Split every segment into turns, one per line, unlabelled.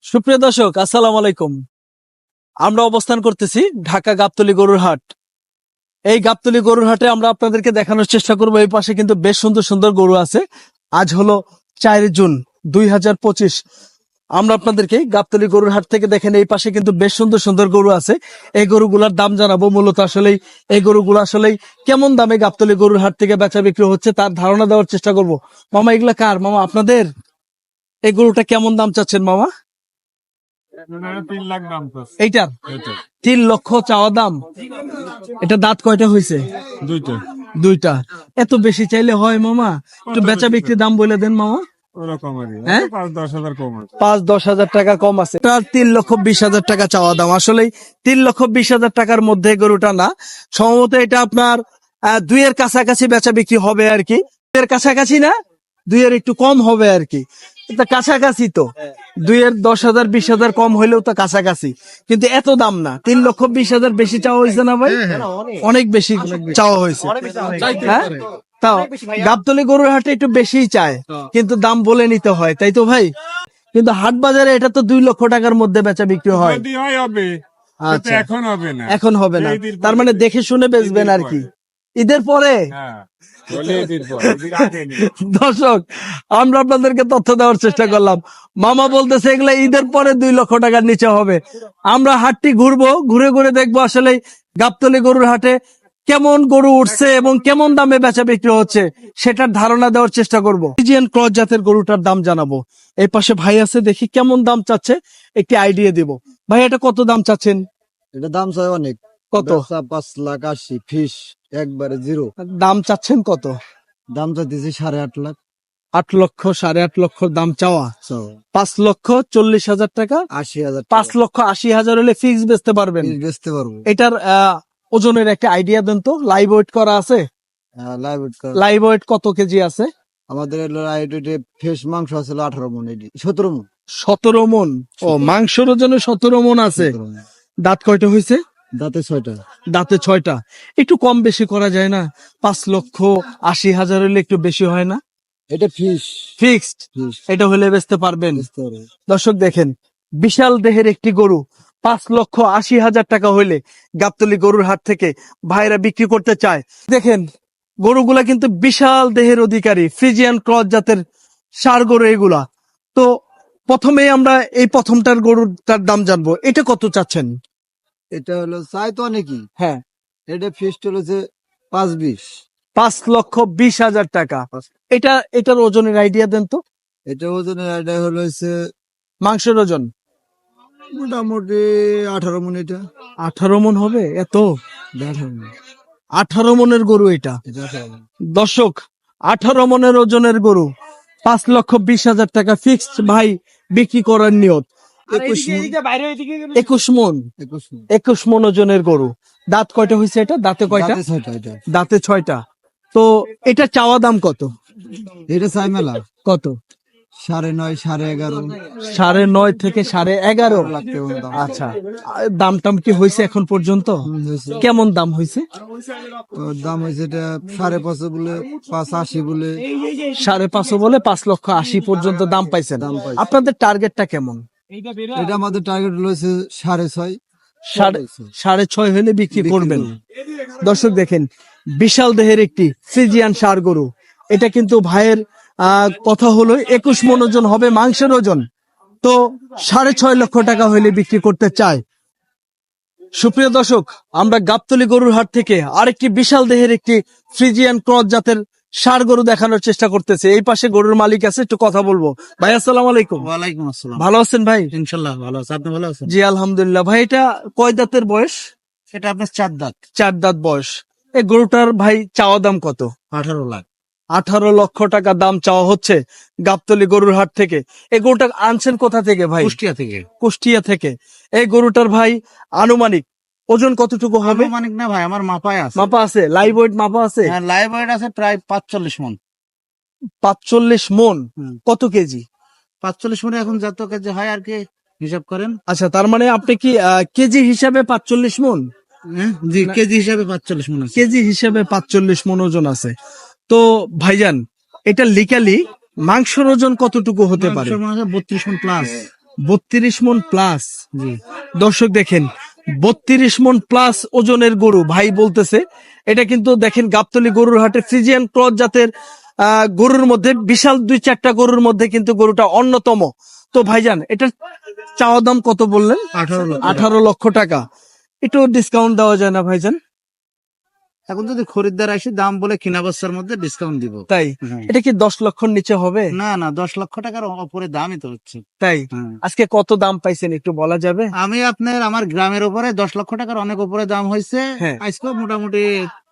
সুপ্রিয় দর্শক, আসসালামু আলাইকুম। আমরা অবস্থান করতেছি ঢাকা গাবতলী গরুর হাট। এই গাবতলী গরুর হাটে আমরা আপনাদেরকে দেখানোর চেষ্টা করব। এই পাশে কিন্তু বেশ সুন্দর সুন্দর গরু আছে। আজ হলো 4 জুন 2025। আমরা আপনাদেরকে গাবতলী গরুর হাট থেকে দেখেন, এই পাশে কিন্তু বেশ সুন্দর সুন্দর গরু আছে। এই গরুগুলার দাম জানাবো। মূলত আসলেই এই গরুগুলো আসলেই কেমন দামে গাবতলী গরুর হাট থেকে বেচা বিক্রি হচ্ছে তার ধারণা দেওয়ার চেষ্টা করব। মামা, এগুলা কার মামা? আপনাদের? এই গরুটা কেমন দাম চাচ্ছেন মামা?
3 লাখ দাম তো।
এইটার 3 লক্ষ চাওয়া দাম। এটা দাঁত কয়টা হয়েছে?
দুইটা
দুইটা। এত বেশি চাইলে হয় মামা? একটু বেচা বিক্রি দাম বলে দেন মামা।
ওরকমই
হ্যাঁ?
5-10 হাজার কম আছে।
5-10 হাজার টাকা কম আছে। তার 3,20,000 টাকা চাওয়া দাম। আসলেই 3,20,000 টাকার মধ্যে গরুটা না, সম্ভবত এটা আপনার 2-এর কাছাকাছি বেচা বিক্রি হবে আর কি। 2-এর কাছাকাছি না, 2-এর একটু কম হবে আর কি। এটা কাছাকাছি তো, 2-এর 10,000 20,000 কম হইলেও তো কাছাকাছি, কিন্তু এত দাম না। 3,20,000 বেশি চাওয়া হয়েছে না ভাই? অনেক বেশি চাওয়া হয়েছে। হ্যাঁ, তাও গাবতলী গরুর হাটে একটু বেশিই চায়, কিন্তু দাম বলে নিতে হয়, তাই তো ভাই? কিন্তু হাট বাজারে এটা তো 2 লক্ষ টাকার মধ্যে বেচা বিক্রি হয়।
যদি হয় হবে, কিন্তু
আচ্ছা,
এখন হবে না।
এখন হবে না।
ঈদের পরে।
তার মানে দেখে শুনে বেচবেন আর কি। ঈদের পরে?
হ্যাঁ, বলে ঈদের পর, ঈদের আগে নেই।
দর্শক, আমরা আপনাদেরকে তথ্য দেওয়ার চেষ্টা করলাম। মামা বলতেছে এগুলা ঈদের পরে 2 লক্ষ টাকার নিচে হবে। আমরা হাটটি ঘুরবো, ঘুরে ঘুরে দেখবো আসলে গাবতলী গরুর হাটে কেমন গরু উঠছে এবং কেমন দামে বেচা বিক্রি হচ্ছে সেটার ধারণা দেওয়ার চেষ্টা করবো। ফ্রিজিয়ান ক্রস জাতের গরুটার দাম জানাবো। এই পাশে ভাই আছে, দেখি কেমন দাম চাচ্ছে, একটি আইডিয়া দিব। ভাই, এটা কত দাম চাচ্ছেন?
এটা দাম চাই অনেক।
কত?
5,80,000 ফিস একবারে জিরো।
দাম চাচ্ছেন কত?
দাম চাইতেছি 8.5 লাখ।
8 লক্ষ, 8.5 লক্ষ দাম চাওয়া। 5,40,000 টাকা।
80,000
5,80,000 হলে ফিক্স বেচতে পারবেন।
বেচতে পারবো।
এটার ওজনের একটা আইডিয়া দেন তো। লাইভ ওয়েট করা আছে?
লাইভ
লাইভ ওয়েট কত কেজি আছে?
আমাদের ফ্রেশ মাংস আছে 18 মন, 17 মন।
17 মন। ও, মাংসের ওজনে 17 মন আছে।
17 মণ।
দাঁত কয়টা হয়েছে?
দাঁতে 6টা।
দাঁতে 6টা। একটু কম বেশি করা যায় না? 5,80,000 হলে একটু বেশি হয় না?
এটা ফিস
ফিক্সড
ফিস
এটা হলে বেচতে পারবেন।
বেচতে পারবো।
দর্শক দেখেন, বিশাল দেহের একটি গরু 5,80,000 টাকা হইলে গাবতলী গরুর হাট থেকে ভাইরা বিক্রি করতে চায়। দেখেন, গরুগুলা কিন্তু বিশাল দেহের অধিকারী, ফ্রিজিয়ান ক্রস জাতের ষাঁড় গরু এগুলা। তো প্রথমেই আমরা এই প্রথমটার গরুটার দাম জানবো। এটা কত চাচ্ছেন?
এটা হলো চাই তো অনেকই।
হ্যাঁ,
এটা ফিসটা হচ্ছে 5.20।
5,20,000 টাকা। এটার ওজনের আইডিয়া দেন তো।
এটা ওজনের এটা হচ্ছে
মাংসের ওজন
মোটামুটি 18 মন। এটা
18 মন হবে? এত?
18 মণ।
18 মনের গরু এটা।
এটা 18 মণ।
দর্শক, 18 মনের ওজনের গরু 5,20,000 টাকা ফিক্সড ভাই বিক্রি করার নিয়ত।
21 মণ।
21 মন।
21 মণ।
21 মন ওজনের গরু। দাঁত কয়টা হয়েছে? এটা দাঁতে কয়টা?
দাঁতে 6টা। এটা
দাঁতে 6টা। তো এটা চাওয়া দাম কত?
এটা চাই মেলা
কত?
9.5 11.5
9.5 থেকে 11.5
লাখ টাকা দাম।
আচ্ছা, দাম টাম কি হয়েছে এখন পর্যন্ত?
হয়েছে।
কেমন দাম হয়েছে?
ওর দাম হয়েছে এটা 5.5 বলে, 5.80 বলে।
5.5 বলে 5,80,000 পর্যন্ত দাম পাইছেন।
দাম পাইছে।
আপনাদের টার্গেটটা কেমন?
এটা আমাদের টার্গেট হয়েছে 6.5।
6.5 হলে বিক্রি
বিক্রি
করবেন।
করব।
দর্শক দেখেন, বিশাল দেহের একটি ফ্রিজিয়ান ষাঁড় গরু। এটা কিন্তু ভাইয়ের কথা হলো 21 মন ওজন হবে মাংসের ওজন। তো 6.5 লক্ষ টাকা হলে বিক্রি করতে চায়। সুপ্রিয় দর্শক, আমরা গাবতলী গরুর হাট থেকে আরেকটি বিশাল দেহের একটি ফ্রিজিয়ান ক্রস জাতের ষাঁড় গরু দেখানোর চেষ্টা করতেছে। এই পাশে গরুর মালিক আছে, একটু কথা বলবো। ভাই, আসসালামু আলাইকুম।
ওয়ালাইকুম আসসালাম।
ভালো আছেন ভাই?
ইনশাআল্লাহ ভালো আছে। আপনি ভালো আছেন?
জি আলহামদুলিল্লাহ। ভাই, এটা কয় দাঁতের বয়স?
এটা আপনার 4 দাঁত।
4 দাঁত বয়স। এই গরুটার ভাই চাওয়া দাম কত?
18 লাখ।
18 লক্ষ টাকা দাম চাওয়া হচ্ছে গাবতলী গরুর হাট থেকে। এই গরুটা আনছেন কোথা থেকে ভাই?
কুষ্টিয়া থেকে।
কুষ্টিয়া থেকে। এই গরুটার ভাই আনুমানিক ওজন কতটুকু হবে?
আনুমানিক না ভাই, আমার মাপায় আছে।
মাপা আছে? লাইভ ওয়েট মাপা আছে?
হ্যাঁ, লাইভ ওয়েট আছে প্রায় 45 মণ।
45 মন। কত কেজি?
45 মণে এখন যত কেজি হয় আর কি হিসাব করেন।
আচ্ছা, তার মানে আপনি কি কেজি হিসাবে 45 মন?
জি, কেজি হিসাবে 45 মণ আছে।
কেজি হিসাবে 45 মন ওজন আছে। তো ভাইজান, এটা লিকালি মাংসের ওজন কতটুকু হতে পারে?
32 মণ প্লাস।
32 মন প্লাস।
জি।
দর্শক দেখেন 32 মন প্লাস ওজনের গরু ভাই বলতেছে। এটা কিন্তু দেখেন গাবতলী গরুর হাটে ফ্রিজিয়ান ক্রস জাতের গরুর মধ্যে বিশাল 2-4টা গরুর মধ্যে কিন্তু গরুটা অন্যতম। তো ভাইজান এটা চাওয়া দাম কত বললেন?
18 লক্ষ।
18 লক্ষ টাকা। একটু ডিসকাউন্ট দেওয়া যায় না ভাইজান?
এখন যদি খরিদ্দার আসে দাম বলে কিনা বস্তার মধ্যে ডিসকাউন্ট দিব।
তাই
হ্যাঁ।
এটা কি 10 লক্ষর নিচে হবে?
না না, 10 লক্ষ টাকার উপরে দামই তো হচ্ছে।
তাই
হ্যাঁ।
আজকে কত দাম পাইছেন একটু বলা যাবে?
আমি আপনার আমার গ্রামের উপরে 10 লক্ষ টাকার অনেক উপরে দাম হয়েছে।
হ্যাঁ।
আজকে মোটামুটি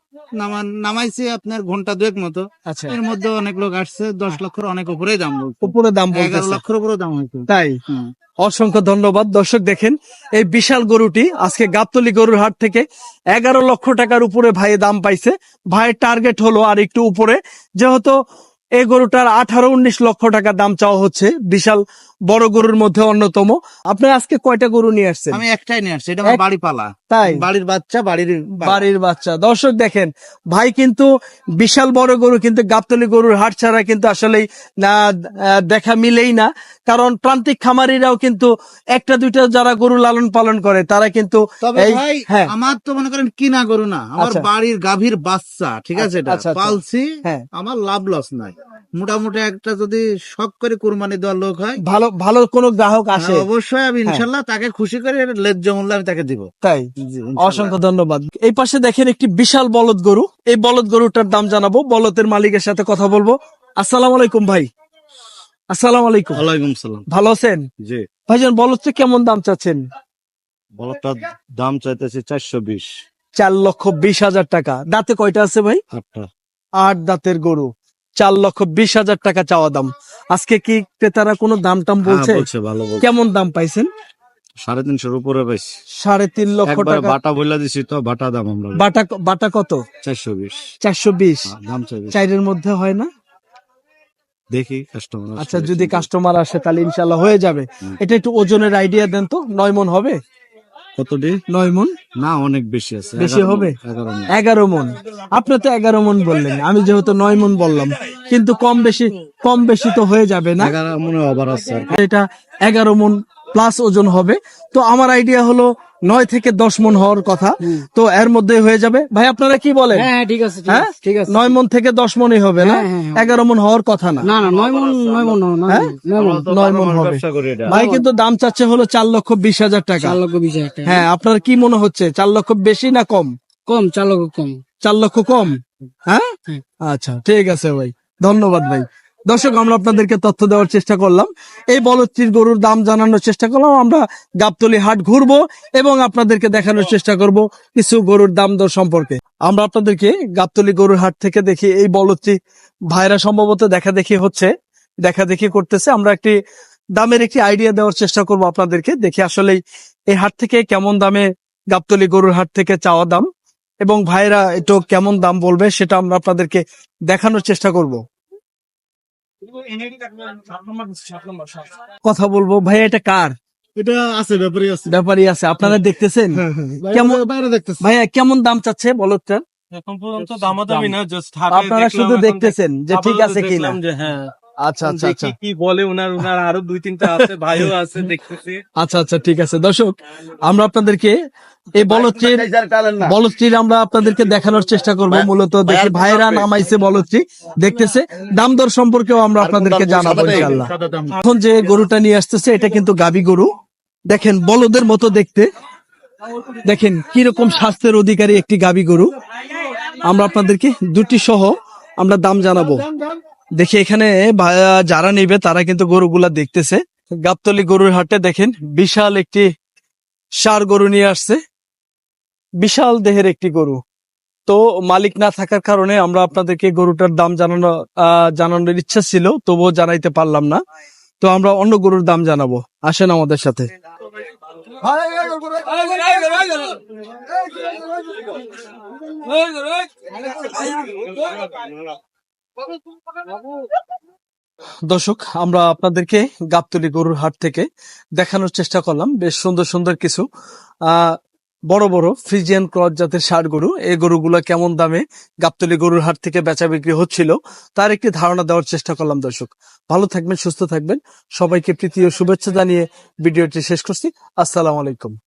নামাইছে আপনার ঘন্টা দুয়েক মতো।
আচ্ছা,
এর মধ্যে অনেক লোক আসছে, 10 লক্ষের অনেক উপরেই দাম বলছে।
উপরে দাম
11
বলতেছে।
লক্ষের উপরেও দাম হয়েছে।
তাই
হুম।
অসংখ্য ধন্যবাদ। দর্শক দেখেন এই বিশাল গরুটি আজকে গাবতলী গরুর হাট থেকে 11 লক্ষ টাকার উপরে ভাই দাম পাইছে। ভাইয়ের টার্গেট হলো আর একটু উপরে, যেহেতু এই গরুটার 18-19 লক্ষ টাকা দাম চাওয়া হচ্ছে। বিশাল বড় গরুর মধ্যে অন্যতম। আপনি আজকে কয়টা গরু নিয়ে আসছেন?
আমি একটাই নিয়ে আসছি, এটা আমার
এক-
বাড়ি পালা।
তাই
বাড়ির বাচ্চা, বাড়ির
বাড়ির বাচ্চা। দর্শক দেখেন ভাই কিন্তু বিশাল বড় গরু কিন্তু গাবতলী গরুর হাট ছাড়া কিন্তু আসলেই না দেখা মিলেই না। কারণ প্রান্তিক খামারিরাও কিন্তু একটা দুইটা যারা গরু লালন পালন করে তারা কিন্তু
তবে
এই
ভাই
হ্যাঁ
আমার তো মনে করেন কিনা গরু না, আমার
আচ্ছা।
বাড়ির গাভীর বাচ্চা, ঠিক আছে, এটা
আচ্ছা, আচ্ছা।
পালছি।
হ্যাঁ
আমার লাভ লস নাই, মোটামুটি একটা যদি শখ করে কুরবানি দেওয়ার লোক হয়,
ভালো ভালো কোনো গ্রাহক আসে
অবশ্যই আমি ইনশাল্লাহ তাকে খুশি করে ন্যায্য মূল্য আমি তাকে দিব।
তাই
জি, ইনশাল্লাহ।
অসংখ্য ধন্যবাদ। এই পাশে দেখেন একটি বিশাল বলদ গরু। এই বলদ গরুটার দাম জানাবো, বলদের মালিকের সাথে কথা বলবো। আসসালামু আলাইকুম ভাই। আসসালামু আলাইকুম।
ওয়ালাইকুম সালাম।
ভালো আছেন
জি।
ভাইজান? বলদটা কেমন দাম চাচ্ছেন?
বলটার দাম চাইতেছি 420।
4,20,000 টাকা। দাঁতে কয়টা আছে ভাই?
8টা।
8 দাঁতের গরু। 4,20,000 টাকা চাওয়া দাম। আজকে কি ক্রেতারা কোনো দাম টাম বলছে?
ভালো বলছে।
কেমন দাম পাইছেন?
350 উপরে পাইছি।
3.5 লক্ষ
একবার
টাকা।
বাটা বইলা দিছি তো, বাটা দাম আমরা
বাটা বাটা কত?
420
420।
দাম চাইছি।
চাইরের মধ্যে হয় না?
দেখি কাস্টমার।
আচ্ছা, যদি কাস্টমার আসে তাহলে ইনশাল্লাহ হয়ে যাবে। এটা একটু ওজনের আইডিয়া দেন তো। 9 মন হবে?
কতটি?
9 মন
না, অনেক বেশি আছে।
বেশি হবে?
11 মণ।
11 মন। আপনি তো 11 মন বললেন, আমি যেহেতু 9 মন বললাম, কিন্তু কম বেশি তো হয়ে যাবে না?
11 মনে ওভার আছে আর কি।
এটা 11 মন প্লাস ওজন হবে। তো আমার আইডিয়া হলো 9 থেকে 10 মন হওয়ার কথা। তো এর মধ্যে হয়ে যাবে। ভাই আপনারা কি বলেন?
হ্যাঁ ঠিক আছে
হ্যাঁ
ঠিক আছে
9 মন থেকে 10 মনই হবে না?
হ্যাঁ, হ্যাঁ,
11 মন হওয়ার কথা না।
না না 9 মন
হ্যাঁ? 9 মন হবে।
ব্যবসা করি এটা।
ভাই কিন্তু দাম চাচ্ছে হলো 4,20,000 টাকা।
4,20,000 টাকা
হ্যাঁ, আপনার কি মনে হচ্ছে 4 লক্ষ বেশি না কম?
কম 4 লক্ষ কম
4 লক্ষ কম? হ্যাঁ
হ্যাঁ।
আচ্ছা ঠিক আছে ভাই, ধন্যবাদ ভাই। দর্শক আমরা আপনাদেরকে তথ্য দেওয়ার চেষ্টা করলাম, এই বলদটির গরুর দাম জানানোর চেষ্টা করলাম। আমরা গাবতলী হাট ঘুরবো এবং আপনাদেরকে দেখানোর চেষ্টা করব কিছু গরুর দাম দর সম্পর্কে। আমরা আপনাদেরকে গাবতলী গরুর হাট থেকে দেখি এই বলদটি ভাইরা সম্ভবত দেখা দেখি করতেছে। আমরা একটি দামের একটি আইডিয়া দেওয়ার চেষ্টা করব আপনাদেরকে। দেখি আসলে এই হাট থেকে কেমন দামে গাবতলী গরুর হাট থেকে চাওয়া দাম এবং ভাইরা একটু কেমন দাম বলবে সেটা আমরা আপনাদেরকে দেখানোর চেষ্টা করব। কথা বলবো ভাই, এটা কার?
এটা আছে, ব্যাপারই আছে।
ব্যাপারই আছে। আপনারা দেখতেছেন কেমন?
বাইরে দেখতেছি।
ভাইয়া কেমন দাম চাচ্ছে বলদটা?
এখন পর্যন্ত দামাদামি না, জাস্ট
আপনারা শুধু দেখতেছেন যে ঠিক আছে কিনা?
হ্যাঁ
আচ্ছা আচ্ছা আচ্ছা
কি বলে উনার আরো 2-3টা আছে, ভাইও আছে, দেখতেছি।
আচ্ছা আচ্ছা ঠিক আছে। দর্শক আমরা আপনাদেরকে এই বলদটির আমরা আপনাদেরকে দেখানোর চেষ্টা করব। মূলত দেখি ভাইরা নামাইছে বলদটি, দেখতেছে দাম দর সম্পর্কেও আমরা আপনাদেরকে জানাবো ইনশাআল্লাহ। এখন যে গরুটা নিয়ে আসতেছে এটা কিন্তু গাবি গরু। দেখেন বলদের মতো দেখতে, দেখেন কিরকম স্বাস্থ্যের অধিকারী একটি গাবি গরু। আমরা আপনাদেরকে দুটি সহ আমরা দাম জানাবো। দেখি এখানে যারা নেবে তারা কিন্তু গরুগুলা দেখতেছে। গাবতলী গরুর হাটে দেখেন বিশাল একটি ষাঁড় গরু নিয়ে আসছে, বিশাল দেহের একটি গরু। তো মালিক না থাকার কারণে আমরা আপনাদেরকে গরুটার দাম জানানোর ইচ্ছা ছিল, তবুও জানাইতে পারলাম না। তো আমরা অন্য গরুর দাম জানাবো, আসেন আমাদের সাথে। দর্শক আমরা আপনাদেরকে গাবতলী গরুর হাট থেকে দেখানোর চেষ্টা করলাম বেশ সুন্দর সুন্দর কিছু বড় বড় ফ্রিজিয়ান ক্রস জাতের ষাঁড় গরু, এই গরুগুলো কেমন দামে গাবতলী গরুর হাট থেকে বেচা বিক্রি হচ্ছিল তার একটি ধারণা দেওয়ার চেষ্টা করলাম। দর্শক ভালো থাকবেন, সুস্থ থাকবেন, সবাইকে প্রীতি ও শুভেচ্ছা জানিয়ে ভিডিওটি শেষ করছি। আসসালামু আলাইকুম।